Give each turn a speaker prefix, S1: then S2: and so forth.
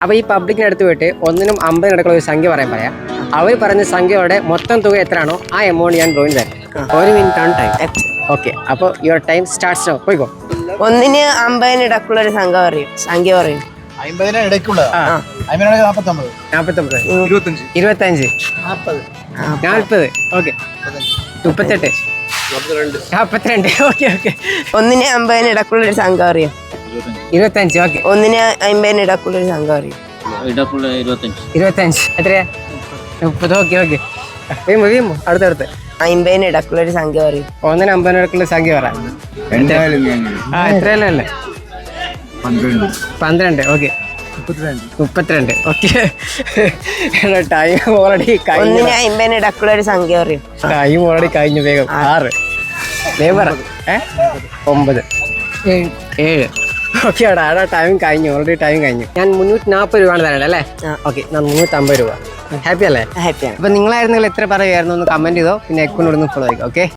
S1: അപ്പോൾ ഈ പബ്ലിക്കിനടുത്ത് പോയിട്ട് 1-നും 50 ഇടയ്ക്കുള്ള ഒരു സംഖ്യ പറയാം. അവർ പറഞ്ഞ സംഖ്യയുടെ മൊത്തം തുക എത്രയാണോ ആ എമൗണ്ട് ഞാൻ ഡ്രോയിൻ തരാം. 1 മിനിറ്റാണ് ടൈം. ഓക്കെ, അപ്പോൾ യുവർ ടൈം സ്റ്റാർട്ട്സ് നൗ. പോയിക്കോ.
S2: 1-ന് 50 ഇടയ്ക്കുള്ള ഒരു സംഖ്യ പറയും.
S3: 50 ഇടയ്ക്കുള്ള 49
S1: 25 40 ഓക്കെ 38 42 ഓക്കെ ഓക്കെ
S2: 1-ന് 50 ഇടയ്ക്കുള്ള ഒരു സംഖ്യ പറയും.
S1: 25 ഓക്കെ
S2: 1-ന് 50 ഇടയ്ക്കുള്ള ഒരു സംഖ്യ പറയും.
S1: 25 എത്രയാ 30 ഓക്കെ ഓക്കെ വീമ്പോ അടുത്തടുത്ത്
S2: 50 ഇടയ്ക്കുള്ള ഒരു സംഖ്യ പറയും.
S1: 1-ന് 50 ഇടയ്ക്കുള്ള സംഖ്യ പറ. എത്രയല്ലേ 12 ഓക്കെ 32 ഓക്കെ ടൈം ഓൾറെഡി കഴിഞ്ഞു.
S2: 1-ന് 50 ഇടയ്ക്കുള്ള ഒരു സംഖ്യ പറയും.
S1: ടൈം ഓൾറെഡി കഴിഞ്ഞു. വേഗം 6 വേഗം 9 7 ഓക്കെ ആടാ ടൈം കഴിഞ്ഞു. ഓൾറെഡി ടൈം കഴിഞ്ഞു. ഞാൻ 340 രൂപയാണ് തരേണ്ടത് അല്ലേ? ഓക്കെ, ഞാൻ 350 രൂപ. ഹാപ്പി അല്ലേ?
S2: ഹാപ്പിയാണ്.
S1: അപ്പൊ നിങ്ങളായിരുന്നെങ്കിൽ എത്ര പറയുമായിരുന്നു ഒന്ന് കമന്റ് ചെയ്തോ. പിന്നെ അക്കൗണ്ട് ഫോളോ ആയിക്കോ. ഓക്കെ.